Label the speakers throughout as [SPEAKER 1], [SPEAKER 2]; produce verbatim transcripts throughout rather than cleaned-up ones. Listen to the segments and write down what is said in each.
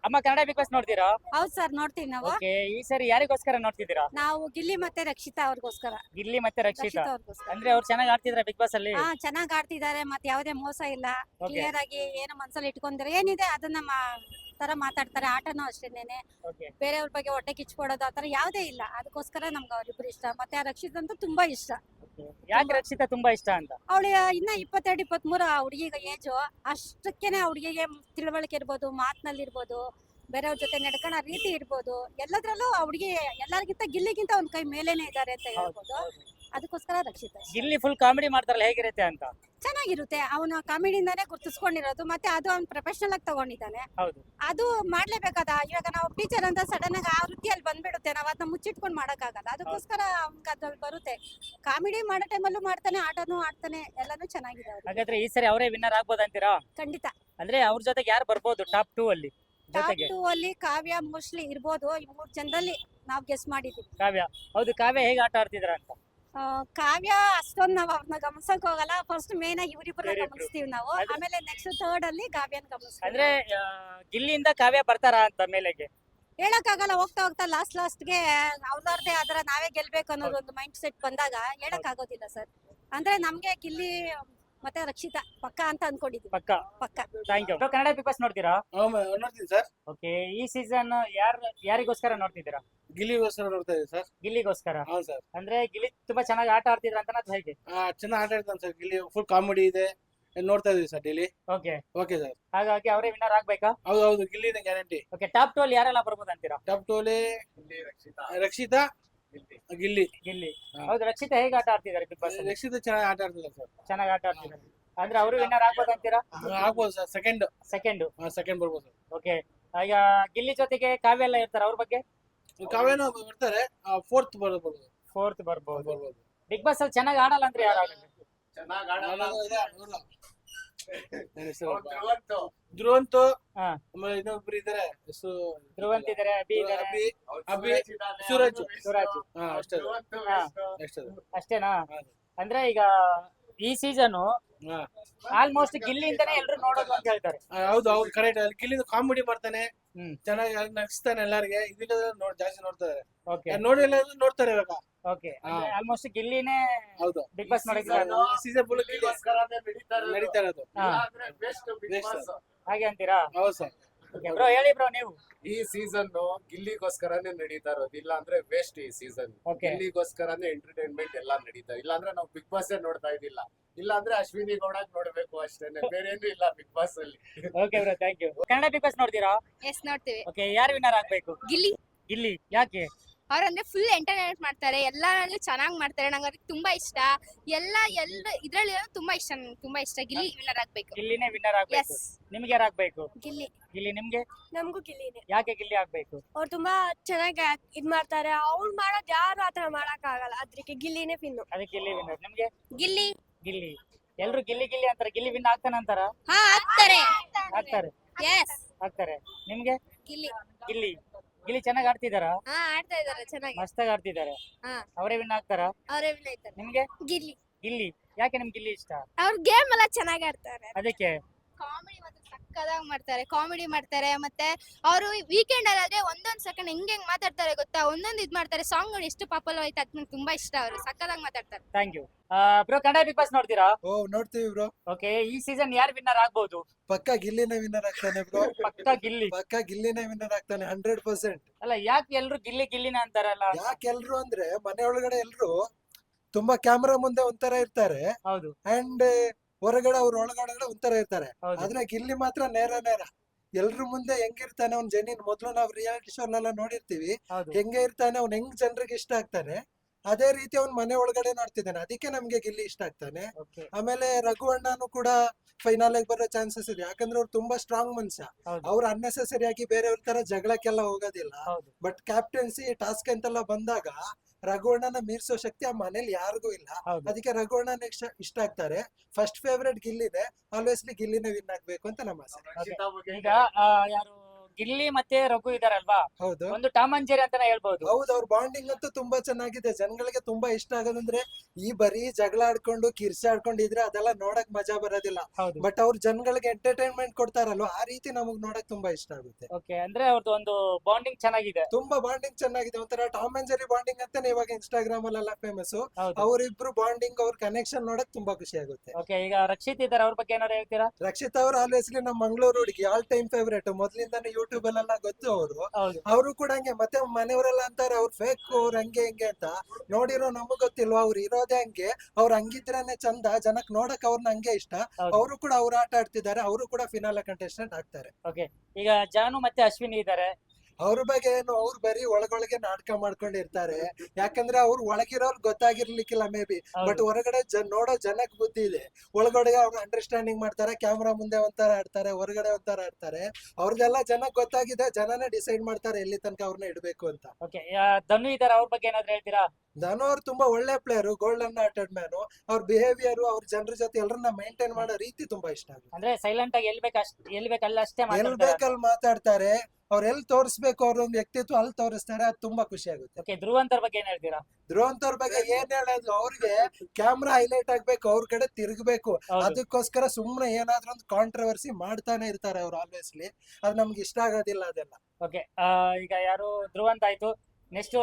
[SPEAKER 1] ಅಮ್ಮ Kannada big boss ನೋಡ್ತೀರಾ?
[SPEAKER 2] ಹೌದ್ ಸರ್, ನೋಡ್ತೀವಿ ನಾವು.
[SPEAKER 1] ಓಕೆ, ಈ ಸರಿ ಯಾರಿಗೋಸ್ಕರ ನೋಡ್ತಿದ್ದೀರಾ?
[SPEAKER 2] ನಾವು ಗಿಲ್ಲಿ ಮತ್ತೆ ರಕ್ಷಿತಾ ಅವ್ರಿಗೋಸ್ಕರ.
[SPEAKER 1] ಗಿಲ್ಲಿ ಮತ್ತೆ ರಕ್ಷಿತಾ.
[SPEAKER 2] ರಕ್ಷಿತಾ ಅವ್ರಿಗೋಸ್ಕರ.
[SPEAKER 1] ಅಂದ್ರೆ ಅವ್ರು ಚೆನ್ನಾಗಿ ಆಡ್ತಿದ್ರ ಬಿಗ್ ಬಾಸ್ ಅಲ್ಲಿ?
[SPEAKER 2] ಹಾ, ಚೆನ್ನಾಗ್ ಆಡ್ತಿದ್ದಾರೆ. ಮತ್ತೆ ಯಾವುದೇ ಮೋಸ ಇಲ್ಲ.
[SPEAKER 1] Okay.
[SPEAKER 2] ಕ್ಲಿಯರ್ ಆಗಿ ಏನೋ ಮನ್ಸಲ್ಲಿ ಇಟ್ಕೊಂಡಿದ್ರೆ ಏನಿದೆ ಅದನ್ನ ಮಾ- ತರ ಮಾತಾಡ್ತಾರೆ. ಆಟನೂ ಅಷ್ಟೇನೆ.
[SPEAKER 1] ಓಕೆ,
[SPEAKER 2] ಬೇರೆಯವ್ರ ಬಗ್ಗೆ ಹೊಟ್ಟೆ ಕಿಚ್ಕೊಡೋದು ಆತರ ಯಾವ್ದೇ ಇಲ್ಲ. ಅದಕ್ಕೋಸ್ಕರ ನಮ್ಗೆ ಅವ್ರಿಬ್ರು ಇಷ್ಟ. ಮತ್ತೆ ಆ ರಕ್ಷಿತ್ ಅಂತೂ ತುಂಬಾ ಇಷ್ಟ.
[SPEAKER 1] ಯಾಕೆ ರಕ್ಷಿತಾ ತುಂಬಾ ಇಷ್ಟ ಅಂತ?
[SPEAKER 2] ಅವಳು ಇನ್ನ ಇಪ್ಪತ್ತೆರಡು ಇಪ್ಪತ್ಮೂರು ಆ ಹುಡುಗಿಗೆ ಏಜು. ಅಷ್ಟಕ್ಕೇನೆ ಆ ಹುಡುಗಿಗೆ ತಿಳುವಳಿಕೆ ಇರ್ಬೋದು, ಮಾತಿನಲ್ಲಿ ಇರ್ಬೋದು, ಬೇರೆಯವ್ರ ಜೊತೆ ನಡ್ಕೊಳ್ಳೋ ರೀತಿ ಇರ್ಬೋದು, ಎಲ್ಲದ್ರಲ್ಲೂ ಆ ಹುಡುಗಿ ಎಲ್ಲರಿಗಿಂತ ಗಿಲ್ಲಿಗಿಂತ ಒಂದ್ ಕೈ ಮೇಲೇನೆ ಇದ್ದಾರೆ ಅಂತ ಹೇಳ್ಬೋದು. ಅದಕ್ಕೋಸ್ಕರ ರಕ್ಷಿತ ಇಷ್ಟ.
[SPEAKER 1] ಗಿಲ್ಲಿ ಫುಲ್ ಕಾಮಿಡಿ ಮಾಡ್ತಾರಲ್ಲ, ಹೇಗಿರುತ್ತೆ ಅಂತ?
[SPEAKER 2] ಚೆನ್ನಾಗಿರುತ್ತೆ. ಅವನು ಕಾಮಿಡಿಯಿಂದಾನೇ ಗುರ್ತಿಸ್ಕೊಂಡಿರೋದು. ಮತ್ತೆ ಅದು ಅವ್ನು ಪ್ರೊಫೆಷನಲ್ ಆಗಿ ತಗೊಂಡಿದ್ದಾನೆ.
[SPEAKER 1] ಹೌದು.
[SPEAKER 2] ಅದು ಮಾಡ್ಲೇಬೇಕಾದ. ಇವಾಗ ನಾವು ಟೀಚರ್ ಅಂತ ಸಡನ್ ಆಗಿ ಆ ವೃತ್ತಿಯಲ್ಲಿ ಬಂದ್ಬಿಡುತ್ತೆ. ನಾವು ಅದನ್ನ ಮುಚ್ಚಿಟ್ಕೊಂಡು ಮಾಡಕ್ಕಾಗಲ್ಲ. ಅದಕ್ಕೋಸ್ಕರ ಅವ್ನ್ಗೆ ಅದ್ರಲ್ಲಿ ಬರುತ್ತೆ. ಕಾಮಿಡಿ ಮಾಡೋ ಟೈಮಲ್ಲೂ ಮಾಡ್ತಾನೆ, ಆಟನೂ ಆಡ್ತಾನೆ, ಎಲ್ಲಾನು ಚೆನ್ನಾಗಿದೆ ಅವ್ರಿಗೆ.
[SPEAKER 1] ಹಾಗಾದ್ರೆ ಈ ಸರಿ ಅವರೇ ವಿನ್ನರ್ ಆಗ್ಬೋದಂತೀರಾ?
[SPEAKER 2] ಖಂಡಿತ.
[SPEAKER 1] ಅಂದ್ರೆ ಅವ್ರ ಜೊತೆಗೆ ಯಾರು ಬರ್ಬೋದು ಟಾಪ್ ಟೂ ಅಲ್ಲಿ?
[SPEAKER 2] ಟಾಪ್
[SPEAKER 1] ಜೊತೆಗೆ
[SPEAKER 2] ಟೂ ಅಲ್ಲಿ ಕಾವ್ಯ ಮೋಸ್ಟ್ಲಿ ಇರ್ಬೋದು. ಈ ಮೂರ್ ಜನದಲ್ಲಿ ನಾವು ಗೆಸ್ ಮಾಡಿದೀವಿ.
[SPEAKER 1] ಕಾವ್ಯ. ಹೌದು, ಕಾವ್ಯ ಹೇಗೆ ಆಟ ಆಡ್ತಿದ್ರ ಅಂತ?
[SPEAKER 2] ಆ, ಕಾವ್ಯ ಅಷ್ಟೊಂದ್ ನಾವ್ ಅವ್ರನ್ನ ಗಮನಿಸಕ್ ಹೋಗಲ್ಲ. ಫಸ್ಟ್ ಮೇನ್ ಆಗಿ ಇವ್ರಿಬ್ರನ್ನ
[SPEAKER 1] ಇವ್ರಿಬ್ರು.
[SPEAKER 2] ಗಮನಿಸ್ತೀವಿ ನಾವು.
[SPEAKER 1] ಅದು-
[SPEAKER 2] ಆಮೇಲೆ ನೆಕ್ಸ್ಟ್ ಥರ್ಡ್ ಅಲ್ಲಿ ಕಾವ್ಯನ ಗಮನಿಸ್ತೀವಿ.
[SPEAKER 1] ಅಂದ್ರೆ ಆ, ಗಿಲ್ಲಿಯಿಂದ ಕಾವ್ಯ ಬರ್ತಾರಾ ಅಂತ ಮೇಲೆಗೆ?
[SPEAKER 2] ಹೇಳಕ್ಕಾಗಲ್ಲ. ಹೋಗ್ತಾ ಹೋಗ್ತಾ ಲಾಸ್ಟ್ ಲಾಸ್ಟ್ ಗೆ ಅವ್ರದೇ ಆದ್ರ ನಾವೇ ಗೆಲ್ಬೇಕು ಅನ್ನೋದು ಒಂದು ಮೈಂಡ್ ಸೆಟ್ ಬಂದಾಗ ಹೇಳಕ್ ಆಗೋದಿಲ್ಲ ಸರ್. ಅಂದ್ರೆ ನಮ್ಗೆ ಗಿಲ್ಲಿ ಮತ್ತೆ ರಕ್ಷಿತಾ ಪಕ್ಕ ಅಂತ ಅನ್ಕೊಂಡಿದೀವಿ.
[SPEAKER 1] ಪಕ್ಕ.
[SPEAKER 2] ಪಕ್ಕ.
[SPEAKER 1] Thank you. Kannada big boss ನೋಡ್ತೀರಾ?
[SPEAKER 3] ನೋಡ್ತೀನಿ ಸರ್.
[SPEAKER 1] ಓಕೆ, ಈ ಸೀಸನ್ ಯಾರ್ ಯಾರಿಗೋಸ್ಕರ ನೋಡ್ತಿದ್ದೀರಾ?
[SPEAKER 3] ಗಿಲ್ಲಿಗೋಸ್ಕರ ನೋಡ್ತಾ ಇದ್ದೀವಿ ಸರ್.
[SPEAKER 1] ಗಿಲ್ಲಿಗೋಸ್ಕರ.
[SPEAKER 3] ಹೌದು ಸರ್.
[SPEAKER 1] ಅಂದ್ರೆ ಗಿಲ್ಲಿ ತುಂಬಾ ಚೆನ್ನಾಗಿ ಆಟ ಆಡ್ತಿದ್ರ ಅಂತ ಅಥವಾ ಹೇಗೆ?
[SPEAKER 3] ಚೆನ್ನಾಗಿ ಆಟ ಆಡ್ತಾನೆ ಸರ್. ಗಿಲ್ಲಿ ಫುಲ್ ಕಾಮಿಡಿ ಇದೆ. ನೋಡ್ತಾ ಇದೀವಿ sir daily.
[SPEAKER 1] Okay,
[SPEAKER 3] okay sir.
[SPEAKER 1] ಹಾಗಾಗಿ ಅವರೇ ವಿನ್ನರ್ ಆಗ್ಬೇಕಾ?
[SPEAKER 3] ಹೌದು ಹೌದು, ಗಿಲ್ಲಿನ ಗ್ಯಾರಂಟಿ.
[SPEAKER 1] ಓಕೆ, ಟಾಪ್ ಟು ಅಲ್ಲಿ ಯಾರೆಲ್ಲ ಬರ್ಬೋದು ಅಂತೀರಾ?
[SPEAKER 3] ಟಾಪ್ ಟೋಲೆ ರಕ್ಷಿತಾ, ಗಿಲ್ಲಿ.
[SPEAKER 1] ಗಿಲ್ಲಿ.
[SPEAKER 3] ಹಾ.
[SPEAKER 1] ಹೌದು, ರಕ್ಷಿತಾ ಹೇಗೆ ಆಟ ಆಡ್ತಿದ್ದಾರೆ ಬಿಗ್ ಬಾಸ್?
[SPEAKER 3] ರಕ್ಷಿತಾ ಚೆನ್ನಾಗಿ ಆಟ ಆಡ್ತಿದ್ದಾರೆ ಸರ್.
[SPEAKER 1] ಚೆನ್ನಾಗಿ ಆಟ ಆಡ್ತಿದ್ದಾರೆ. ಅಂದ್ರೆ ಅವರು ವಿನ್ನರ್ ಆಗ್ಬೋದು ಅಂತೀರಾ?
[SPEAKER 3] ಆಗ್ಬೋದು ಸರ್. Second
[SPEAKER 1] second.
[SPEAKER 3] ಸೆಕೆಂಡ್ ಬರ್ಬೋದು ಸರ್.
[SPEAKER 1] ಓಕೆ, ಈಗ ಗಿಲ್ಲಿ ಜೊತೆಗೆ ಕಾವ್ಯ ಎಲ್ಲ ಇರ್ತಾರೆ, ಅವ್ರ ಬಗ್ಗೆ?
[SPEAKER 3] ಕಾವ್ಯನ ಬರ್ತಾರೆ. ಫೋರ್ತ್ ಬರ್ಬೋದು.
[SPEAKER 1] ಫೋರ್ತ್ ಬರ್ಬೋದು.
[SPEAKER 3] ಬರ್ಬೋದು.
[SPEAKER 1] ಬಿಗ್ ಬಾಸ್ ಅಲ್ಲಿ ಚೆನ್ನಾಗಿ ಆಡಲ್ಲ ಅಂದ್ರೆ ಯಾರು ಆಡಲ್ಲ?
[SPEAKER 3] ಧ್ರುವಂತು.
[SPEAKER 1] ಹಾ.
[SPEAKER 3] ಆಮೇಲೆ ಇನ್ನೊಬ್ರು ಇದಾರೆ.
[SPEAKER 1] ಧ್ರುವಂತ್ ಇದಾರೆ, ಅಭಿ ಇದಾರೆ,
[SPEAKER 3] ಅಭಿ ಅಭಿ ಸೂರಜ್.
[SPEAKER 1] ಸುರಾಜ್.
[SPEAKER 3] ಹಾ, ಅಷ್ಟೇ
[SPEAKER 1] ಹಾ.
[SPEAKER 3] ನೆಕ್ಸ್ಟ್ ಅದು.
[SPEAKER 1] ಅಷ್ಟೇನಾ?
[SPEAKER 3] ಹಾ.
[SPEAKER 1] ಅಂದ್ರೆ ಈಗ ಈ ಸೀಸನ್
[SPEAKER 3] ಹಾ.
[SPEAKER 1] ಆಲ್ಮೋಸ್ಟ್ ಗಿಲ್ಲಿಂದನೇ ಎಲ್ರು ನೋಡೋದು ಅಂತ ಹೇಳ್ತಾರೆ.
[SPEAKER 3] ಆ, ಹೌದು ಹೌದು, ಕರೆಕ್ಟ್. ಅಲ್ಲಿ ಗಿಲ್ಲಿದು ಕಾಮಿಡಿ ಮಾಡ್ತಾನೆ,
[SPEAKER 1] ಹ್ಮ್.
[SPEAKER 3] ಚೆನ್ನಾಗಿ ನಗಿಸ್ತಾನೆ ಎಲ್ಲಾರಿಗೆ. ಇದಕ್ಕೆ ನೋಡ್ ಜಾಸ್ತಿ ನೋಡ್ತಾರೆ.
[SPEAKER 1] ಓಕೆ,
[SPEAKER 3] ನೋಡಿಲ್ಲ ಅಂದ್ರೆ ನೋಡ್ತಾರೆ ಇವಾಗ.
[SPEAKER 1] ಓಕೆ.
[SPEAKER 3] ಹಾ.
[SPEAKER 1] ಆಲ್ಮೋಸ್ಟ್ ಗಿಲ್ಲಿನೇ
[SPEAKER 3] ಹೌದು.
[SPEAKER 1] ಬಿಗ್ ಬಾಸ್ ನೋಡಿದ್ರೆ
[SPEAKER 3] ಸೀಸನ್ ಫುಲ್ ನಡೀತಾ ಇರೋದು.
[SPEAKER 4] Next.
[SPEAKER 1] ಹಾಗೆ ಅಂತೀರಾ?
[SPEAKER 3] ಹೌದು ಸರ್.
[SPEAKER 1] ಬ್ರೋ ಹೇಳಿ ಬ್ರೋ ನೀವು.
[SPEAKER 4] ಈ ಸೀಸನ್ ಗಿಲ್ಲಿಗೋಸ್ಕರನೇ ನಡೀತಾ ಇರೋದು. ಇಲ್ಲ ಅಂದ್ರೆ ವೇಸ್ಟ್ ಈ ಸೀಸನ್.
[SPEAKER 1] Okay.
[SPEAKER 4] ಗಿಲ್ಲಿಗೋಸ್ಕರನೇ ಎಂಟರ್ಟೈನ್ಮೆಂಟ್ ಎಲ್ಲ ನಡೀತಾ. ಇಲ್ಲ ಅಂದ್ರೆ ನಾವು ಬಿಗ್ ಬಾಸ್ ನೋಡ್ತಾ ಇದ್ದಿಲ್ಲ. ಇಲ್ಲ ಅಂದ್ರೆ ಅಶ್ವಿನಿ ಗೌಡ ನೋಡ್ಬೇಕು ಅಷ್ಟೇನೆ, ಬೇರೆ ಏನು ಇಲ್ಲ ಬಿಗ್ ಬಾಸ್ ಅಲ್ಲಿ.
[SPEAKER 1] Okay bro, thank you. Kannada big boss ನೋಡ್ತೀರಾ?
[SPEAKER 5] ಎಸ್, ನೋಡ್ತೀವಿ.
[SPEAKER 1] ಓಕೆ, ಯಾರು ವಿನ್ನರ್ ಆಗ್ಬೇಕು?
[SPEAKER 5] ಗಿಲ್ಲಿ
[SPEAKER 1] ಗಿಲ್ಲಿ. ಯಾಕೆ?
[SPEAKER 5] ಅವ್ರಂದ್ರೆ ಫುಲ್ ಎಂಟರ್ಟೈನ್ಮೆಂಟ್ ಮಾಡ್ತಾರೆ, ಎಲ್ಲಾನು ಚೆನ್ನಾಗಿ ಮಾಡ್ತಾರೆ. ನಂಗೆ ಅವ್ರಿಗೆ ತುಂಬಾ ಇಷ್ಟ. ಎಲ್ಲ ಎಲ್ಲ ಇದ್ರಲ್ಲಿ ತುಂಬಾ ಇಷ್ಟ, ನಂಗೆ ತುಂಬಾ ಇಷ್ಟ. ಗಿಲ್ಲಿ ವಿನ್ನರ್ ಆಗ್ಬೇಕು.
[SPEAKER 1] ಗಿಲ್ಲಿನೇ ವಿನ್ನರ್ ಆಗ್ಬೇಕು.
[SPEAKER 5] ಎಸ್,
[SPEAKER 1] ನಿಮ್ಗೆ ಯಾರು ಆಗ್ಬೇಕು?
[SPEAKER 2] ಗಿಲ್ಲಿ.
[SPEAKER 1] ಗಿಲ್ಲಿ. ನಿಮ್ಗೆ
[SPEAKER 2] ನಮಗೂ ಗಿಲ್ಲಿನೇ.
[SPEAKER 1] ಯಾಕೆ ಗಿಲ್ಲಿ ಆಗ್ಬೇಕು?
[SPEAKER 2] ಅವ್ರು ತುಂಬಾ ಚೆನ್ನಾಗಿ ಇದ್ ಮಾಡ್ತಾರೆ. ಅವ್ರು ಮಾಡೋದ್ ಯಾರು ಆತರ ಮಾಡಕ್ ಆಗಲ್ಲ. ಅದಕ್ಕೆ ಗಿಲ್ಲಿನೇ ಪಿನ್ನು.
[SPEAKER 1] ಅದಕ್ಕೆ ಗಿಲ್ಲಿ ವಿನ್ನರ್. ನಿಮ್ಗೆ?
[SPEAKER 5] ಗಿಲ್ಲಿ.
[SPEAKER 1] ಗಿಲ್ಲಿ. ಎಲ್ರು ಗಿಲ್ಲಿ ಗಿಲ್ಲಿ ಅಂತಾರೆ. ಗಿಲ್ಲಿ ವಿನ್ ಆಗ್ತಾನೆ ಅಂತಾರ?
[SPEAKER 5] ಹಾ, ಆಗ್ತಾರೆ.
[SPEAKER 1] ಆಗ್ತಾರೆ.
[SPEAKER 5] ಎಸ್,
[SPEAKER 1] ಆಗ್ತಾರೆ. ನಿಮ್ಗೆ?
[SPEAKER 5] ಗಿಲ್ಲಿ.
[SPEAKER 1] ಗಿಲ್ಲಿ. ಗಿಲ್ಲಿ ಚೆನ್ನಾಗಿ ಆಡ್ತಿದಾರಾ?
[SPEAKER 5] ಹಾ, ಆಡ್ತಾ ಇದಾರೆ ಚೆನ್ನಾಗಿ.
[SPEAKER 1] ಮಸ್ತಾಗಿ ಆಡ್ತಿದ್ದಾರೆ.
[SPEAKER 5] ಹಾ,
[SPEAKER 1] ಅವರೇ ವಿನ್ ಆಗ್ತಾರಾ?
[SPEAKER 5] ಅವರೇ ವಿನ್ ಆಯ್ತಾರೆ.
[SPEAKER 1] ನಿಮ್ಗೆ?
[SPEAKER 5] ಗಿಲ್ಲಿ.
[SPEAKER 1] ಗಿಲ್ಲಿ. ಯಾಕೆ ನಿಮ್ಗೆ ಗಿಲ್ಲಿ ಇಷ್ಟ?
[SPEAKER 5] ಅವ್ರ ಗೇಮ್ ಎಲ್ಲ ಚೆನ್ನಾಗಿ ಆಡ್ತಾರೆ.
[SPEAKER 1] ಅದಕ್ಕೆ?
[SPEAKER 5] ಕಾಮಿಡಿ ಮಾತ್ರ ಸಕ್ಕದಾಗಿ ಮಾಡ್ತಾರೆ. ಕಾಮಿಡಿ ಮಾಡ್ತಾರೆ. ಮತ್ತೆ ಅವರು ವೀಕೆಂಡ್ ಅಲ್ಲಾದ್ರೆ ಒಂದೊಂದ್ ಸೆಕೆಂಡ್ ಹೆಂಗ್ ಹೆಂಗ್ ಮಾತಾಡ್ತಾರೆ ಗೊತ್ತಾ? ಒಂದೊಂದ್ ಇದ್ ಮಾಡ್ತಾರೆ. ಸಾಂಗ್ ನೋಡಿ ಎಷ್ಟು ಪಾಪಲ್ ಹೋಯ್ತು. ಅದ್ ನಂಗೆ ತುಂಬಾ ಇಷ್ಟ. ಅವರು ಸಕ್ಕದಾಗಿ ಮಾತಾಡ್ತಾರೆ.
[SPEAKER 1] Thank you. Bro, Kannada big boss ನೋಡ್ತೀರಾ?
[SPEAKER 6] ಓ, ನೋಡ್ತೀವಿ ಬ್ರೋ.
[SPEAKER 1] ಓಕೆ, ಈ ಸೀಸನ್ ಯಾರು ವಿನ್ನರ್ ಆಗ್ಬಹುದು?
[SPEAKER 6] ಪಕ್ಕ ಗಿಲ್ಲಿನೇ ವಿನ್ನರ್ ಆಗ್ತಾನೆ ಬ್ರೋ.
[SPEAKER 1] ಪಕ್ಕ ಗಿಲ್ಲಿ.
[SPEAKER 6] ಪಕ್ಕ ಗಿಲ್ಲಿನೇ ವಿನ್ನರ್ ಆಗ್ತಾನೆ ಹಂಡ್ರೆಡ್ ಪರ್ಸೆಂಟ್.
[SPEAKER 1] ಅಲ್ಲ, ಯಾಕೆ ಎಲ್ರು ಗಿಲ್ಲಿ ಗಿಲ್ಲಿನ ಅಂತಾರಲ್ಲ?
[SPEAKER 6] ಯಾಕೆ ಎಲ್ರು ಅಂದ್ರೆ ಮನೆ ಒಳಗಡೆ ಎಲ್ರು ತುಂಬಾ ಕ್ಯಾಮ್ರಾ ಮುಂದೆ ಒಂಥರ ಇರ್ತಾರೆ,
[SPEAKER 1] ಹೌದು.
[SPEAKER 6] ಅಂಡ್ ಹೊರಗಡೆ ಅವ್ರ ಒಳಗಡೆ ಒಂಥರ ಇರ್ತಾರೆ.
[SPEAKER 1] ಹೌದು.
[SPEAKER 6] ಆದ್ರೆ ಗಿಲ್ಲಿ ಮಾತ್ರ ನೇರ ನೇರ ಎಲ್ರ ಮುಂದೆ ಹೆಂಗಿರ್ತಾನೆ ಅವ್ನ್ ಜನಿನ್. ಮೊದ್ಲು ನಾವ್ ರಿಯಾಲಿಟಿ ಶೋ ನೆಲ್ಲ ನೋಡಿರ್ತೀವಿ,
[SPEAKER 1] ಹೌದು.
[SPEAKER 6] ಹೆಂಗೆ ಇರ್ತಾನೆ ಅವ್ನ್, ಹೆಂಗ್ ಜನರಿಗೆ ಇಷ್ಟ ಆಗ್ತಾನೆ ಅದೇ ರೀತಿ ಅವ್ನ್ ಮನೆ ಒಳಗಡೆ ನೋಡ್ತಿದ್ದಾನೆ. ಅದಕ್ಕೆ ನಮ್ಗೆ ಗಿಲ್ಲಿ ಇಷ್ಟ ಆಗ್ತಾನೆ.
[SPEAKER 1] ಓಕೆ.
[SPEAKER 6] ಆಮೇಲೆ ರಘು ಅಣ್ಣನು ಕೂಡ ಫೈನಲ್ ಬರೋ ಚಾನ್ಸಸ್ ಇದೆ. ಯಾಕಂದ್ರೆ ಅವ್ರು ತುಂಬಾ ಸ್ಟ್ರಾಂಗ್ ಮನುಷ್ಯ.
[SPEAKER 1] ಹೌದು.
[SPEAKER 6] ಅವ್ರು ಅನ್ನೆಸೆಸರಿ ಆಗಿ ಬೇರೆಯವ್ರ ತರ ಜಗಳಕ್ಕೆಲ್ಲ ಹೋಗೋದಿಲ್ಲ.
[SPEAKER 1] ಹೌದು.
[SPEAKER 6] ಬಟ್ ಕ್ಯಾಪ್ಟನ್ಸಿ ಟಾಸ್ಕ್ ಅಂತೆಲ್ಲ ಬಂದಾಗ ರಘುವಣ್ಣನ ಮೀರ್ಸೋ ಶಕ್ತಿ ಆ ಮನೇಲಿ ಯಾರಿಗೂ ಇಲ್ಲ.
[SPEAKER 1] ಹೌದು.
[SPEAKER 6] ಅದಕ್ಕೆ ರಘುವಣ್ಣನ ಇಷ್ಟ ಇಷ್ಟ ಆಗ್ತಾರೆ. ಫಸ್ಟ್ ಫೇವ್ರೆಟ್ ಗಿಲ್ಲಿದೆ. ಆಲ್ವೇಸ್ಲಿ ಗಿಲ್ಲಿನೇ ವಿನ್ ಆಗ್ಬೇಕು ಅಂತ ನಮ್ಮ ಆಸೆ.
[SPEAKER 1] ಈಗ ಆ, ಯಾರು ಗಿಲ್ಲಿ ಮತ್ತೆ ರಘು ಇದಾರಲ್ವಾ,
[SPEAKER 6] ಹೌದು
[SPEAKER 1] ಒಂದು ಟಾಮ್ ಅಂಡ್ ಜೆರಿ ಅಂತಾನೆ ಹೇಳ್ಬೋದು.
[SPEAKER 6] ಹೌದು ಅವ್ರ ಬಾಂಡಿಂಗ್ ಅಂತೂ ತುಂಬಾ ಚೆನ್ನಾಗಿದೆ. ಜನಗಳಿಗೆ ತುಂಬಾ ಇಷ್ಟ ಆಗೋದಂದ್ರೆ ಈ ಬರೀ ಜಗಳ ಆಡ್ಕೊಂಡು ಕಿರ್ಚಾಡ್ಕೊಂಡು ಇದ್ರೆ ಅದೆಲ್ಲ ನೋಡಕ್ ಮಜಾ ಬರೋದಿಲ್ಲ.
[SPEAKER 1] ಹೌದು.
[SPEAKER 6] ಬಟ್ ಅವ್ರ ಜನಗಳಿಗೆ ಎಂಟರ್ಟೈನ್ಮೆಂಟ್ ಕೊಡ್ತಾರಲ್ವಾ, ಆ ರೀತಿ ನಮಗ್ ನೋಡಕ್ ತುಂಬಾ ಇಷ್ಟ ಆಗುತ್ತೆ.
[SPEAKER 1] ಓಕೆ, ಅಂದ್ರೆ ಅವ್ರದ್ದು ಒಂದು ಬಾಂಡಿಂಗ್ ಚೆನ್ನಾಗಿದೆ.
[SPEAKER 6] ತುಂಬಾ ಬಾಂಡಿಂಗ್ ಚೆನ್ನಾಗಿದೆ. ಒಂಥರ ಟಾಮ್ ಅಂಡ್ ಜೆರಿ ಬಾಂಡಿಂಗ್ ಅಂತಾನೆ ಇವಾಗ ಇನ್ಸ್ಟಾಗ್ರಾಮ್ ಅಲ್ಲೆಲ್ಲ ಫೇಮಸ್.
[SPEAKER 1] ಹೌದು.
[SPEAKER 6] ಅವರಿಬ್ರು ಬಾಂಡಿಂಗ್, ಅವ್ರ ಕನೆಕ್ಷನ್ ನೋಡಕ್ ತುಂಬಾ ಖುಷಿ ಆಗುತ್ತೆ.
[SPEAKER 1] ಓಕೆ, ಈಗ ರಕ್ಷಿತ್ ಇದ್ದಾರೆ, ಅವ್ರ ಬಗ್ಗೆ ಏನಾದ್ರು ಹೇಳ್ತೀರಾ?
[SPEAKER 6] ರಕ್ಷಿತ್ ಅವರು ಆಲ್ವೇಸ್ಲಿ ನಮ್ಮ ಮಂಗಳೂರು ಹುಡುಗಿ, ಆಲ್ ಟೈಮ್ ಫೇವರೇಟ್. ಮೊದ್ಲಿಂದಾನು ಯೂಟ್ಯೂಬ್ ಅಲ್ಲೆಲ್ಲ ಗೊತ್ತು ಅವರು.
[SPEAKER 1] ಹೌದು.
[SPEAKER 6] ಅವರು ಕೂಡ ಹಂಗೆ. ಮತ್ತೆ ಮನೆಯವರೆಲ್ಲ ಅಂತಾರೆ ಅವ್ರು ಫೇಕ್, ಅವ್ರು ಹಂಗೆ ಹಿಂಗೆ ಅಂತ. ನೋಡಿರೋ ನಮಗ್ ಗೊತ್ತಿಲ್ವಾ, ಅವ್ರು ಇರೋದೇ ಹಂಗೆ. ಅವ್ರು ಹಂಗಿದ್ರೇನೆ ಚಂದ, ಜನಕ್ ನೋಡಕ್ ಅವ್ರನ್ನ ಹಂಗೆ ಇಷ್ಟ.
[SPEAKER 1] ಹೌದು.
[SPEAKER 6] ಅವರು ಕೂಡ ಅವ್ರು ಆಟ ಆಡ್ತಿದ್ದಾರೆ, ಅವರು ಕೂಡ ಫಿನಾಲೆ ಕಂಟೆಸ್ಟೆಂಟ್ ಆಗ್ತಾರೆ.
[SPEAKER 1] ಓಕೆ, ಈಗ ಜಾನು ಮತ್ತೆ ಅಶ್ವಿನಿ ಇದ್ದಾರೆ.
[SPEAKER 6] ಅವ್ರ ಬಗ್ಗೆ ಏನು, ಅವ್ರು ಬರೀ ಒಳಗೊಳಗೆ ನಾಟಕ ಮಾಡ್ಕೊಂಡಿರ್ತಾರೆ. ಯಾಕಂದ್ರೆ ಅವ್ರು ಒಳಗಿರೋರ್ ಗೊತ್ತಾಗಿರ್ಲಿಕ್ಕಿಲ್ಲ ಮೇ ಬಿ, ಬಟ್ ಹೊರಗಡೆ ಜನ್ ನೋಡೋ ಜನಕ್ ಬುದ್ಧಿ ಇದೆ. ಒಳಗಡೆ ಅವ್ರು ಅಂಡರ್ಸ್ಟ್ಯಾಂಡಿಂಗ್ ಮಾಡ್ತಾರೆ, ಕ್ಯಾಮ್ರಾ ಮುಂದೆ ಒಂಥರ ಆಡ್ತಾರೆ, ಹೊರಗಡೆ ಒಂಥರ ಆಡ್ತಾರೆ. ಅವ್ರದೆಲ್ಲ ಜನಕ್ ಗೊತ್ತಾಗಿದೆ, ಜನನೇ ಡಿಸೈಡ್ ಮಾಡ್ತಾರೆ ಎಲ್ಲಿ ತನಕ ಅವ್ರನ್ನ ಇಡ್ಬೇಕು ಅಂತ.
[SPEAKER 1] ಓಕೆ, ಧನು ಇದ್ದಾರೆ, ಅವ್ರ ಬಗ್ಗೆ ಏನಾದ್ರು ಹೇಳ್ತೀರಾ?
[SPEAKER 6] ಧನು ಅವ್ರು ತುಂಬಾ ಒಳ್ಳೆ ಪ್ಲೇಯರ್, ಗೋಲ್ಡನ್ ಆಟೆಡ್ ಮ್ಯಾನು. ಅವ್ರ ಬಿಹೇವಿಯರ್, ಅವ್ರ ಜನರ ಜೊತೆ ಎಲ್ಲರನ್ನ ಮೇಂಟೈನ್ ಮಾಡೋ ರೀತಿ ತುಂಬಾ ಇಷ್ಟ ಆಗುತ್ತೆ.
[SPEAKER 1] ಅಂದ್ರೆ ಸೈಲೆಂಟ್ ಆಗಿ ಎಲ್ ಬೇಕು ಅಷ್ಟ್ ಎಲ್ ಬೇಕಲ್ಲ ಅಷ್ಟೇ
[SPEAKER 6] ಎಲ್
[SPEAKER 1] ಮಾತಾಡ್ತಾರೆ.
[SPEAKER 6] ಬೇಕಲ್ಲಿ ಮಾತಾಡ್ತಾರೆ. ಅವ್ರ ಎಲ್ ತೋರಿಸ್ಬೇಕು ಅವ್ರ ಒಂದು ವ್ಯಕ್ತಿತ್ವ ಅಲ್ಲಿ ತೋರಿಸ್ತಾರೆ, ಅದು ತುಂಬಾ ಖುಷಿ ಆಗುತ್ತೆ.
[SPEAKER 1] ಓಕೆ, ಧ್ರುವಂತರ ಬಗ್ಗೆ ಏನ್ ಹೇಳ್ತೀರಾ?
[SPEAKER 6] ಧ್ರುವಂತ್ ಅವ್ರ ಬಗ್ಗೆ ಏನ್ ಹೇಳೋದು, ಅವ್ರಿಗೆ ಕ್ಯಾಮ್ರಾ ಹೈಲೈಟ್ ಆಗ್ಬೇಕು, ಅವ್ರ ಕಡೆ ತಿರುಗಬೇಕು.
[SPEAKER 1] ಹೌದು.
[SPEAKER 6] ಅದಕ್ಕೋಸ್ಕರ ಸುಮ್ನೆ ಏನಾದ್ರೂ ಒಂದು ಕಾಂಟ್ರವರ್ಸಿ ಮಾಡ್ತಾನೆ ಇರ್ತಾರೆ ಅವ್ರು ಆಲ್ವೇಸ್ಲಿ. ಅದು ನಮ್ಗೆ ಇಷ್ಟ ಆಗೋದಿಲ್ಲ ಅದೆಲ್ಲ.
[SPEAKER 1] ಓಕೆ, ಈಗ ಯಾರು ಧ್ರುವಂತ್ ಆಯ್ತು, ನೆಕ್ಸ್ಟ್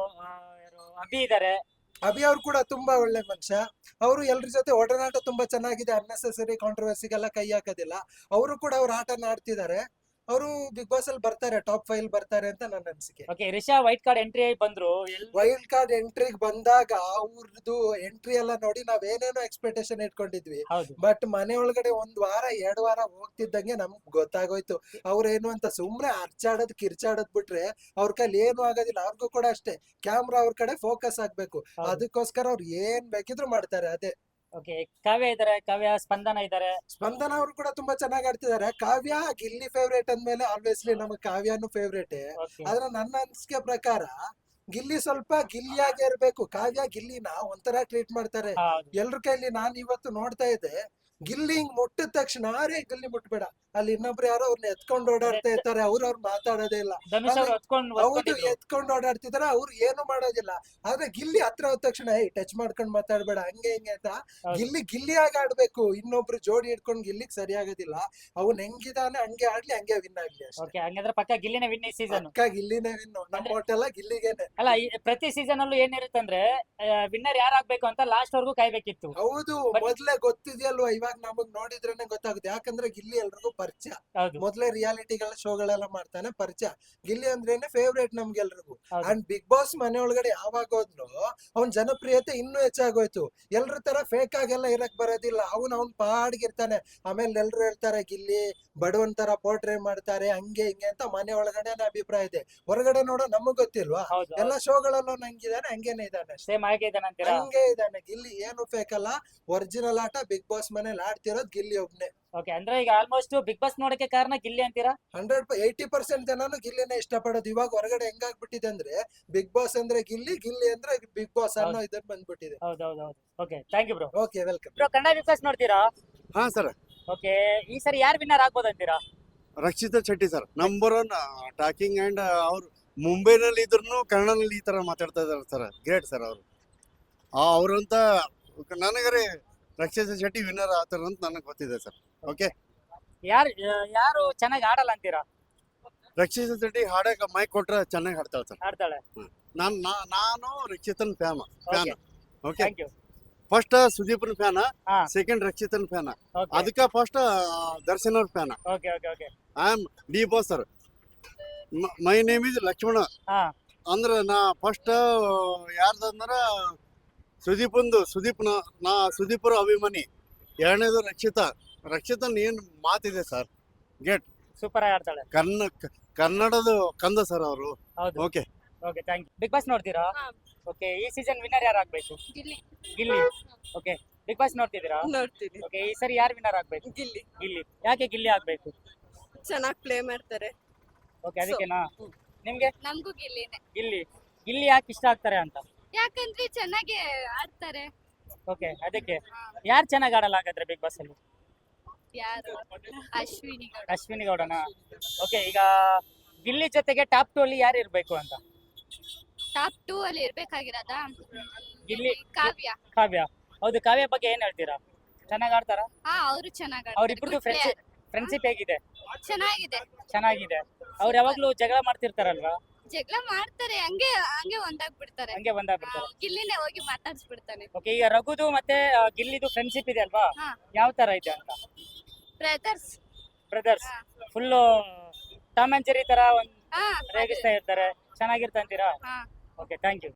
[SPEAKER 1] ಯಾರು ಅಭಿ ಇದ್ದಾರೆ.
[SPEAKER 6] ಅಭಿ ಅವ್ರು ಕೂಡ ತುಂಬಾ ಒಳ್ಳೆ ಮನುಷ್ಯ. ಅವರು ಎಲ್ರ ಜೊತೆ ಒಡನಾಟ ತುಂಬಾ ಚೆನ್ನಾಗಿದೆ. ಅನ್ನೆಸೆಸರಿ ಕಾಂಟ್ರವರ್ಸಿಗೆಲ್ಲ ಕೈ ಹಾಕೋದಿಲ್ಲ. ಅವರು ಕೂಡ ಅವ್ರ ಆಟನ ಆಡ್ತಿದ್ದಾರೆ. ಅವರು ಬಿಗ್ ಬಾಸ್ ಅಲ್ಲಿ ಬರ್ತಾರೆ, ಟಾಪ್ ಫೈವ್ ಬರ್ತಾರೆ ಅಂತ ನನ್ನ ಅನಿಸಿಕೆ.
[SPEAKER 1] Okay, Risha white card entry ಬಂದ್ರು. ಎಲ್-
[SPEAKER 6] ವೈಲ್ಡ್ ಕಾರ್ಡ್ ಎಂಟ್ರಿಗೆ ಬಂದಾಗ ಅವ್ರದ್ದು ಎಂಟ್ರಿ ಎಲ್ಲ ನೋಡಿ ನಾವ್ ಏನೇನೋ ಎಕ್ಸ್ಪೆಕ್ಟೇಷನ್ ಇಟ್ಕೊಂಡಿದ್ವಿ.
[SPEAKER 1] ಹೌದು.
[SPEAKER 6] ಬಟ್ ಮನೆ ಒಳಗಡೆ ಒಂದ್ ವಾರ ಎರಡ್ ವಾರ ಹೋಗ್ತಿದ್ದಂಗೆ ನಮ್ಗ್ ಗೊತ್ತಾಗೋಯ್ತು ಅವ್ರೇನು ಅಂತ. ಸುಮ್ನೆ ಅರ್ಚಾಡೋದ್ ಕಿರ್ಚಾಡೋದ್ ಬಿಟ್ರೆ ಅವ್ರ ಕೈಲಿ ಏನು ಆಗೋದಿಲ್ಲ. ಅವ್ರಿಗೂ ಕೂಡ ಅಷ್ಟೇ, ಕ್ಯಾಮ್ರಾ ಅವ್ರ ಕಡೆ ಫೋಕಸ್ ಆಗ್ಬೇಕು.
[SPEAKER 1] ಹೌದು.
[SPEAKER 6] ಅದಕ್ಕೋಸ್ಕರ ಅವ್ರು ಏನ್ ಬೇಕಿದ್ರು ಮಾಡ್ತಾರೆ. ಅದೇ
[SPEAKER 1] ಓಕೆ, ಕಾವ್ಯ ಇದ್ದಾರೆ, ಕಾವ್ಯ ಸ್ಪಂದನ ಇದ್ದಾರೆ.
[SPEAKER 6] ಸ್ಪಂದನ ಅವರು ಕೂಡ ತುಂಬಾ ಚೆನ್ನಾಗಿ ಆಡ್ತಿದ್ದಾರೆ. ಕಾವ್ಯ ಗಿಲ್ಲಿ ಫೇವ್ರೇಟ್ ಅಂದ್ಮೇಲೆ ಆಲ್ವೇಸ್ಲಿ ನಮಗ್ ಕಾವ್ಯನು ಫೇವ್ರೇಟ್.
[SPEAKER 1] ಓಕೆ,
[SPEAKER 6] ಆದ್ರೆ ನನ್ನ ಅನಿಸಿಕೆ ಪ್ರಕಾರ ಗಿಲ್ಲಿ ಸ್ವಲ್ಪ ಗಿಲ್ಲಿಯಾಗೆ ಇರ್ಬೇಕು. ಕಾವ್ಯ ಗಿಲ್ಲಿನ ಒಂಥರ ಟ್ರೀಟ್ ಮಾಡ್ತಾರೆ
[SPEAKER 1] ಹೌದು.
[SPEAKER 6] ಎಲ್ರ ಕೈಲಿ. ನಾನ್ ಇವತ್ತು ನೋಡ್ತಾ ಇದ್ದೆ, ಗಿಲ್ಲಿ ಹಿಂಗ್ ಮುಟ್ಟಿದ ತಕ್ಷಣ ಅರೇ ಗಿಲ್ಲಿ ಮುಟ್ಬೇಡ, ಅಲ್ಲಿ ಇನ್ನೊಬ್ರು ಯಾರೋ ಅವ್ರನ್ನ ಎತ್ಕೊಂಡು ಓಡಾಡ್ತಾ ಇರ್ತಾರೆ, ಅವ್ರ ಅವ್ರು ಮಾತಾಡೋದೇ ಇಲ್ಲ.
[SPEAKER 1] ಧನುಷ್ ಅವ್ರು ಹೊತ್ಕೊಂಡು
[SPEAKER 6] ಹೌದು, ಎತ್ಕೊಂಡು ಓಡಾಡ್ತಿದಾರೆ, ಅವ್ರು ಏನು ಮಾಡೋದಿಲ್ಲ. ಆದ್ರೆ ಗಿಲ್ಲಿ ಹತ್ರ ಹೋದ ತಕ್ಷಣ ಏ ಟಚ್ ಮಾಡ್ಕೊಂಡ್ ಮಾತಾಡ್ಬೇಡ ಹಂಗೆ ಹಿಂಗೆ ಅಂತ.
[SPEAKER 1] ಹೌದು.
[SPEAKER 6] ಗಿಲ್ಲಿ ಗಿಲ್ಲಿಯಾಗಿ ಆಡ್ಬೇಕು. ಇನ್ನೊಬ್ರು ಜೋಡಿ ಹಿಡ್ಕೊಂಡ್ ಗಿಲ್ಲಿಗ್ ಸರಿ ಆಗೋದಿಲ್ಲ. ಅವ್ನ್ ಹೆಂಗಿದಾನೆ ಹಂಗೆ ಆಡ್ಲಿ, ಹಂಗೆ ವಿನ್ ಆಗ್ಲಿ ಅಷ್ಟೇ.
[SPEAKER 1] ಓಕೆ, ಹಂಗಂದ್ರೆ ಪಕ್ಕ ಗಿಲ್ಲಿನ ವಿನ್ ಈ ಸೀಸನ್.
[SPEAKER 6] ಪಕ್ಕ ಗಿಲ್ಲಿನೇ ವಿನ್. ನಮ್ಮ ಒಟ್ಟೆಲ್ಲ ಗಿಲ್ಲಿಗೇನೆ.
[SPEAKER 1] ಅಲ್ಲ, ಈ ಪ್ರತಿ ಸೀಸನ್ ಅಲ್ಲೂ ಏನಿರುತ್ತಂದ್ರೆ ವಿನ್ನರ್ ಯಾರಾಗ್ಬೇಕು ಅಂತ ಲಾಸ್ಟ್ ವರ್ಗೂ ಕಾಯ್ಬೇಕಿತ್ತು.
[SPEAKER 6] ಹೌದು,
[SPEAKER 1] But-
[SPEAKER 6] ಮೊದ್ಲೇ ಗೊತ್ತಿದ್ಯಲ್ವಾ. ಇವಾಗ ನಮಗ್ ನೋಡಿದ್ರೇನೆ ಗೊತ್ತಾಗುತ್ತೆ. ಯಾಕಂದ್ರೆ ಗಿಲ್ಲಿ ಎಲ್ರಿಗೂ ಪರಿಚಯ.
[SPEAKER 1] ಹೌದು.
[SPEAKER 6] ಮೊದ್ಲೇ ರಿಯಾಲಿಟಿಗಳ ಶೋಗಳೆಲ್ಲ ಮಾಡ್ತಾನೆ, ಪರಿಚಯ. ಗಿಲ್ಲಿ ಅಂದ್ರೇನೆ ಫೇವ್ರೇಟ್ ನಮ್ಗೆಲ್ರಿಗೂ.
[SPEAKER 1] ಹೌದು.
[SPEAKER 6] ಅಂಡ್ ಬಿಗ್ ಬಾಸ್ ಮನೆ ಒಳಗಡೆ ಯಾವಾಗ ಹೋದ್ರು ಅವ್ನ್ ಜನಪ್ರಿಯತೆ ಇನ್ನೂ ಹೆಚ್ಚಾಗೋಯ್ತು. ಎಲ್ರ ತರ ಫೇಕ್ ಆಗೆಲ್ಲ ಇರಕ್ ಬರೋದಿಲ್ಲ. ಅವ್ನ್ ಅವ್ನ್ ಪಾಡ್ಗಿರ್ತಾನೆ. ಆಮೇಲೆ ಎಲ್ರು ಹೇಳ್ತಾರೆ ಗಿಲ್ಲಿ ಬಡವನ್ ತರ ಪೋರ್ಟ್ರೇ ಮಾಡ್ತಾರೆ ಹಂಗೆ ಹಿಂಗೆ ಅಂತ ಮನೆ ಒಳಗಡೆನೆ ಅಭಿಪ್ರಾಯ ಇದೆ. ಹೊರಗಡೆ ನೋಡೋ ನಮಗ್ ಗೊತ್ತಿಲ್ವಾ.
[SPEAKER 1] ಹೌದು.
[SPEAKER 6] ಎಲ್ಲ ಶೋಗಳಲ್ಲೂ ನಂಗಿದಾನೆ, ಹಂಗೇನೆ ಇದಾನೆ ಅಷ್ಟೇ.
[SPEAKER 1] ಸೇಮ್ ಹಾಗೆ ಇದ್ದಾನೆ ಅಂತೀರಾ?
[SPEAKER 6] ಹಂಗೆ ಇದಾನೆ ಗಿಲ್ಲಿ. ಏನು ಫೇಕ್ ಅಲ್ಲ, ಒರಿಜಿನಲ್ ಆಟ ಬಿಗ್ ಬಾಸ್ ಮನೇಲಿ ಆಡ್ತಿರೋದ್ ಗಿಲ್ಲಿ ಒಬ್ನೇ.
[SPEAKER 1] ಓಕೆ, ಅಂದ್ರೆ ಈಗ ಆಲ್ಮೋಸ್ಟ್ ಬಿಗ್ ಬಾಸ್ ನೋಡಕ್ಕೆ ಕಾರಣ ಗಿಲ್ಲಿ ಅಂತೀರಾ?
[SPEAKER 6] ಹಂಡ್ರೆಡ್ ಏಯ್ಟಿ ಪರ್ಸೆಂಟ್ ಜನನು ಗಿಲ್ಲಿನೇ ಇಷ್ಟಪಡೋದು. ಇವಾಗ ಹೊರಗಡೆ ಹೆಂಗಾಗ್ಬಿಟ್ಟಿದೆ ಅಂದ್ರೆ ಬಿಗ್ ಬಾಸ್ ಅಂದ್ರೆ ಗಿಲ್ಲಿ, ಗಿಲ್ಲಿ ಅಂದ್ರೆ ಬಿಗ್ ಬಾಸ್ ಅನ್ನೋ ಇದನ್ನ ಬಂದ್ಬಿಟ್ಟಿದೆ.
[SPEAKER 1] ಹೌದು ಹೌದು ಹೌದು. Okay, thank you bro.
[SPEAKER 6] Okay, welcome.
[SPEAKER 1] Bro, Kannada big boss ನೋಡ್ತೀರಾ?
[SPEAKER 7] ಹಾ ಸರ್,
[SPEAKER 1] ಓಕೆ, ಈ ಸರಿ ಯಾರು ವಿನ್ನರ್ ಆಗ್ಬೋದು ಅಂತೀರಾ?
[SPEAKER 7] Rakshita Shetty sir, number one talking and ಅವ್ರು ಮುಂಬೈನಲ್ಲಿ ಇದ್ರು ಕನ್ನಡದಲ್ಲಿ ಈ ತರ ಮಾತಾಡ್ತಾ ಇದಾರೆ ಸರ್. ಗ್ರೇಟ್ ಸರ್ ಅವರು. ಅವ್ರಂತ ನನಗರೆ ರಕ್ಷಿತಾ ಶೆಟ್ಟಿ ವಿನ್ನರ್ ಆಗ್ತಾರ ಅಂತ ನನಗೆ ಗೊತ್ತಿದೆ ಸರ್. ಓಕೆ,
[SPEAKER 1] ಯಾರು ಯಾರು ಚೆನ್ನಾಗಿ ಆಡಲ್ಲ ಅಂತೀರಾ?
[SPEAKER 7] ರಕ್ಷಿತಾ ಶೆಟ್ಟಿ ಹಾಡಕ್ಕೆ ಮೈಕ್ ಕೊಟ್ರೆ ಚೆನ್ನಾಗಿ ಹಾಡ್ತಾಳೆ ಸರ್.
[SPEAKER 1] ಆಡ್ತಾಳೆ.
[SPEAKER 7] ನಾನು ನಾನು ರಕ್ಷಿತನ್ fan fan okay.
[SPEAKER 1] Thank you.
[SPEAKER 7] First ಸುದೀಪ್ನ ಫ್ಯಾನ್,
[SPEAKER 1] ಹಾ.
[SPEAKER 7] ಸೆಕೆಂಡ್ ರಕ್ಷಿತನ್ ಫ್ಯಾನ್.
[SPEAKER 1] ಓಕೆ
[SPEAKER 7] ಅದಕ್ಕೆ ಫಸ್ಟ್ ದರ್ಶನ್ ಅವ್ರ fan.
[SPEAKER 1] Okay okay okay.
[SPEAKER 7] I am D boss sir. My name is Lakshmana.
[SPEAKER 1] ಹಾ.
[SPEAKER 7] ಅಂದ್ರೆ ನಾ ಫಸ್ಟ್ ಯಾರ್ದಂದ್ರ ಸುದೀಪಂದು ಸುದೀಪ್ನ ನಾ ಸುದೀಪರ ಅಭಿಮಾನಿ. ಎರಡನೇದು ರಕ್ಷಿತಾ. ರಕ್ಷಿತನ್ ಏನ್ ಮಾತಿದೆ ಸರ್, ಗೇಟ್
[SPEAKER 1] ಸೂಪರ್ ಆಗಿ ಆಡ್ತಾಳೆ.
[SPEAKER 7] ಕನ್ನ ಕನ್ನಡದ ಕಂದ ಸರ್ ಅವರು.
[SPEAKER 1] ಹೌದು.
[SPEAKER 7] Okay
[SPEAKER 1] okay, thank you. Big boss ನೋಡ್ತೀರಾ?
[SPEAKER 8] ಹಾ.
[SPEAKER 1] ಓಕೆ, ಈ ಸೀಸನ್ ವಿನ್ನರ್ ಯಾರು ಆಗ್ಬೇಕು?
[SPEAKER 8] Gilli
[SPEAKER 1] Gilli. Okay, big boss ನೋಡ್ತಿದ್ದೀರಾ?
[SPEAKER 8] ನೋಡ್ತೀನಿ.
[SPEAKER 1] ಓಕೆ, ಈ ಸರಿ ಯಾರು ವಿನ್ನರ್ ಆಗ್ಬೇಕು?
[SPEAKER 8] ಗಿಲ್ಲಿ
[SPEAKER 1] ಗಿಲ್ಲಿ. ಯಾಕೆ ಗಿಲ್ಲಿ ಆಗ್ಬೇಕು?
[SPEAKER 8] ಚೆನ್ನಾಗಿ ಪ್ಲೇ ಮಾಡ್ತಾರೆ.
[SPEAKER 1] ಓಕೆ, ಅದಕ್ಕೆನಾ? ನಿಮ್ಗೆ
[SPEAKER 5] ನಮಗೂ ಗಿಲ್ಲಿನೇ,
[SPEAKER 1] ಗಿಲ್ಲಿ ಗಿಲ್ಲಿ ಯಾಕೆ ಇಷ್ಟ ಆಗ್ತಾರೆ ಅಂತ?
[SPEAKER 5] ಯಾಕಂದ್ರೆ ಚೆನ್ನಾಗಿ ಆಡ್ತಾರೆ.
[SPEAKER 1] ಓಕೆ, ಅದಕ್ಕೆ ಯಾರು ಚೆನ್ನಾಗಿ ಆಡಲ್ಲ ಹಾಗಾದ್ರೆ ಬಿಗ್ ಬಾಸ್ ಅಲ್ಲಿ?
[SPEAKER 5] ಯಾರು ಅಶ್ವಿನಿ ಗೌಡ
[SPEAKER 1] ಅಶ್ವಿನಿ ಗೌಡನ. ಓಕೆ, ಈಗ ಗಿಲ್ಲಿ ಜೊತೆಗೆ ಟಾಪ್ ಟು ಅಲ್ಲಿ ಯಾರು ಇರ್ಬೇಕು ಅಂತ?
[SPEAKER 5] ಟಾಪ್ ಟೂ ಅಲ್ಲಿ ಇರ್ಬೇಕಾಗಿರೋದ
[SPEAKER 1] ಗಿಲ್ಲಿ
[SPEAKER 5] ಕಾವ್ಯ.
[SPEAKER 1] ಕಾವ್ಯ. ಹೌದು, ಕಾವ್ಯ ಬಗ್ಗೆ ಏನ್ ಹೇಳ್ತೀರಾ? ಚೆನ್ನಾಗ್ ಆಡ್ತಾರ?
[SPEAKER 5] ಹಾ ಅವರು ಚೆನ್ನಾಗಿ
[SPEAKER 1] ಅವ್ರಿಬ್ರದ್ದು ಫ್ರೆಂಡ್ಶಿಪ್ ಫ್ರೆಂಡ್ಶಿಪ್ ಹೇಗಿದೆ?
[SPEAKER 5] ಚೆನ್ನಾಗಿದೆ.
[SPEAKER 1] ಚೆನ್ನಾಗಿದೆ. ಅವ್ರು ಯಾವಾಗ್ಲೂ ಜಗಳ ಮಾಡ್ತಿರ್ತಾರಲ್ವಾ?
[SPEAKER 5] ಜಗಳ ಮಾಡ್ತಾರೆ, ಹಂಗೆ ಹಂಗೆ ಒಂದಾಗ್ಬಿಡ್ತಾರೆ.
[SPEAKER 1] ಹಂಗೆ ಬಂದಾಗ್ಬಿಡ್ತಾರೆ.
[SPEAKER 5] ಗಿಲ್ಲಿನೇ ಹೋಗಿ ಮಾತಾಡ್ಸ್ಬಿಡ್ತಾನೆ.
[SPEAKER 1] ಓಕೆ, ಈಗ ರಘುದು ಮತ್ತೆ ಆ, ಗಿಲ್ಲಿದು ಫ್ರೆಂಡ್ಶಿಪ್ ಇದೆ ಅಲ್ವಾ?
[SPEAKER 5] ಹಾ.
[SPEAKER 1] ಯಾವ ತರ ಇದೆ ಅಂತ?
[SPEAKER 5] ಬ್ರದರ್ಸ್.
[SPEAKER 1] ಬ್ರದರ್ಸ್
[SPEAKER 5] ಹಾ.
[SPEAKER 1] ಫುಲ್ಲು ಟಾಮ್ ಅಂಡ್ ಜೆರಿ ತರ ಒಂದ್
[SPEAKER 5] ಹಾ
[SPEAKER 1] ರೇಗಿಸ್ತಾ ಇರ್ತಾರೆ. ಚೆನ್ನಾಗಿರ್ತಂತೀರಾ?
[SPEAKER 5] ಹಾ
[SPEAKER 1] ಓಕೆ, ಥ್ಯಾಂಕ್ ಯು.